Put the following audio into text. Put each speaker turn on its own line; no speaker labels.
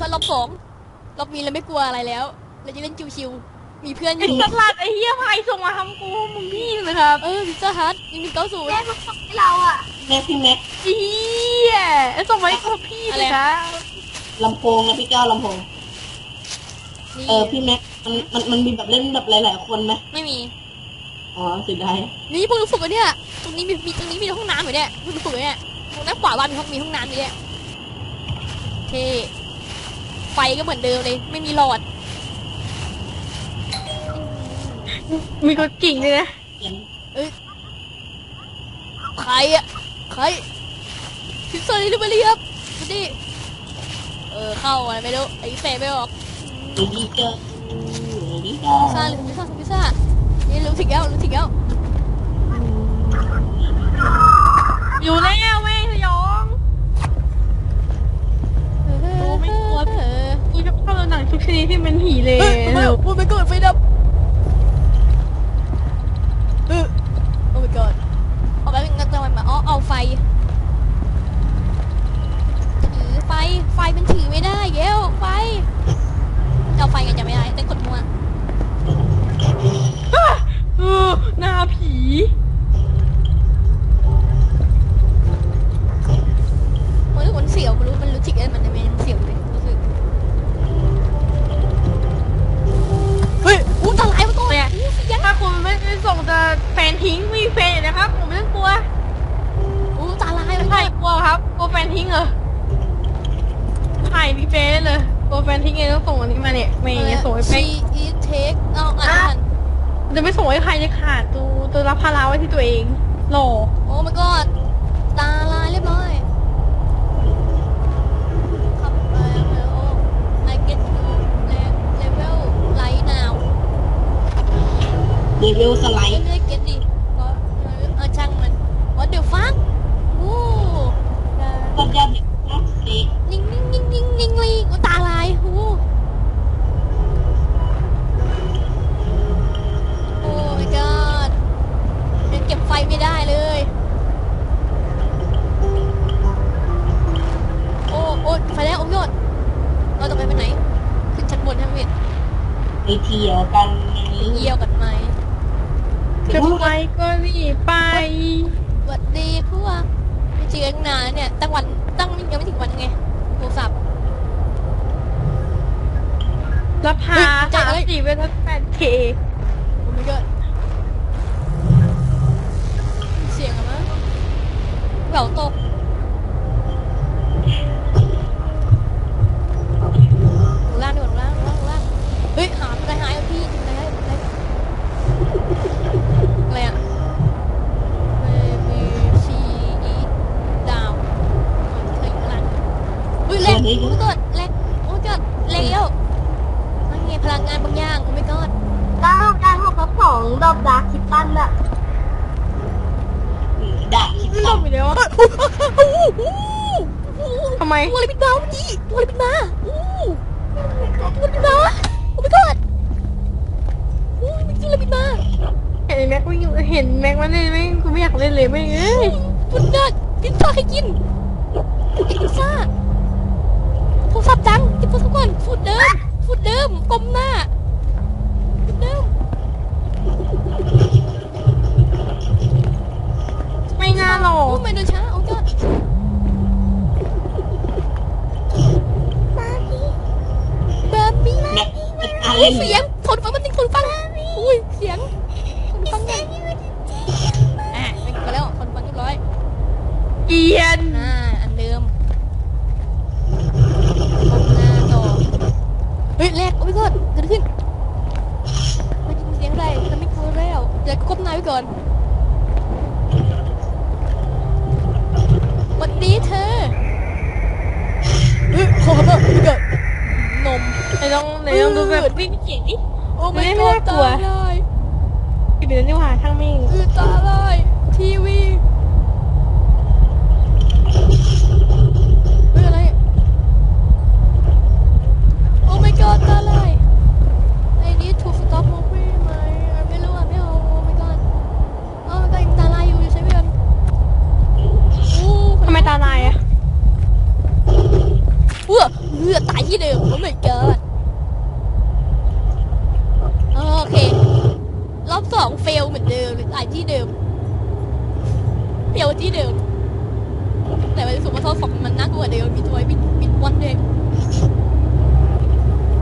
ารอบสองรอบนี้เราไม่กลัวอะไรแล้วเราจะเล่นชิวๆมีเพื่อนอ
ไอ้
ยู่
สัตว์หลัดไอ้เหี้ยไผ่ส่งมาทำกูมึงพี่เลยครับ
พิซซ่าฮัท1190
แม่มาส่งให้เราอ่ะ
แม็กพี่แม็ก
ไอ้เหี้ยไอ้ส่งมาให้กูพี่เลยครับ
ลำโพงนะพี่แก้วลำโพง
นี่
พี่แม็กมันมีแบบเล่นแบบหลายๆคนไหม
ไม่มี
อ๋อเสียดาย
นี่พวกเราฝึกกันเนี่ยตรงนี้มีตรงนี้มีห้องน้ำอยู่เนี่ยพวกเราฝึกกันเนี่ยตรงด้านขวาบ้านมีห้องน้ำอยู่เนี่ยโอเคไฟก็เหมือนเดิมเลยไม่มีหลอด
มีกดกิ่งเลยนะ
เขียน
ใครพิซซ่าลิเบอรี่ครับดูดิเข้าอะไรไม่รู้ไอ้เฟย์ไม่ออก
ดีเจอดีเจอ
พิซซ่านี่รู้ถึงแล้ว
อยู่แล้วแม่งสยองกูจะเข้าหนังทุกชนิดที่เป็นผีเลย
พูดไปก่อนไฟดับโอ้ my god เอาไปงั้นจะมาเอาไฟถือไฟมันถือไม่ได้เย้วไฟเอาไฟกันจะไม่ได้แต่กดมัว
หน้าผี
มันเสียวมันรู้จิกมันจะเป็นเสียวเลยรู้สึกเฮ้ยตาลายมาตัวเนี่ย
ถ้าคุณไม่ได้ส่งจะแฟนทิ้งไม่มีแฟนนะครับผมไม่ต้องกลัว
ตาลาย
ใช่กลัวครับกลัวแฟนทิ้งเหรอใช่มีแฟนเลยกลัวแฟนทิ้งไงต้องส่งอันนี้มาเนี่ยไม่ส่งให้แฟน
ชีเทคอ่าน
จะไม่ส่งให้ใครเลยค่ะตัวรับภาระไว้ที่ตัวเองหล่อ
โอ้ my god ตาลายเรียบร้อยครับI get to level right now
เดวิลสไลด์
ไม่ได้ get ดิก็ช่างมัน what the fuck โอ้
ก็ยอดเด็กนักเด็ก
นิ่งเลยตาลายโอ้ my god ยังเก็บไฟไม่ได้เลยโอ้ไฟแล้วโอ้ยอดเราจะไปไหนขึ้นชั้นบนทั้งเวท
ไปเที่ยวกันนี้
เยี่ยวกันไหม
จะไปก็รีบไป
สวัสดีพวกไม่เจอกันนานแล้วเนี่ยตั้งยังไม่ถึงวันไงโทรศัพท์
รับพา34เป็น8K
โอ้ my god เสียงอะไรแหววตกลงล่างเฮ้ยหาอะไรหายพี่อะไรอะ Baby she eat down เธออยู่ข้างล่างเฮ้ยแรงโอ้ my god แรงโอ้ my god แรงแล้วนั่นไงพลังงานบางอย่างโอ้ my god
996 ดอกดาร์คคิตตันอะ
ด่าคิด
ไม่ล
ตั้
ง
ง
อีกแล้วอะทำไม
ตัวอะไรปิดตาวันนี้ตัวอะไรปิดตาตัวปิดตาโอ้ my god มันจริงเลยปิดตา
เห็นแม็กวิ่งเห็นแม็กมันเล่นไหมกูไม่อยากเล่นเลยไม่เอ้ย
พิซซ่าใครกินพิซซ่าโทรศัพท์จังกินโทรศัพท์ก่อนฟูดเดิมก้มหน้าฟูดเดิม
ไม่น่าหรอก
โอ้ไม่เดินช้าเอายอดบาร์บี้
แม็กเป็นการเล่น
เสียงทนฟังมันติงทนฟังอุ้ยเสียงทนฟังไงไม่กลัวแล้วทนฟังเรียบร้อย
เกียน
อันเดิมก้มหน้าต่อเฮ้ยแรกโอ้ยก่อนเกิดขึ้นไม่ยินเสียงอะไรจะไม่กลัวแล้วเดี๋ยวก้มหน้าไว้ก่อนวันนี้เธอขอเถอะไม่เกิดนม
ไหนลองดูแบบวิ่งเกียนดิ
โอ้ไม่
ไม่
กลัว
น่ากลั
ตาว ลาย
เดี๋ยวนี่หว่าช่างมิ่ง
ตาลายทีวีอะไรโอ้ my god ตาลาย I need to stop moving ไหมไม่รู้ไม่เอาโอ้ my god โอ้ my god ยังตาลายอยู่ใช่ไหมกัน
ทำไมตาลายอะ
เตายที่เดิมโอ้ my god โอเครอบสองเฟลเหมือนเดิมตายที่เดิมเฟลที่เดิมแต่วันสุดมาทดสอบมันน่ากลัวเดิมมีตัว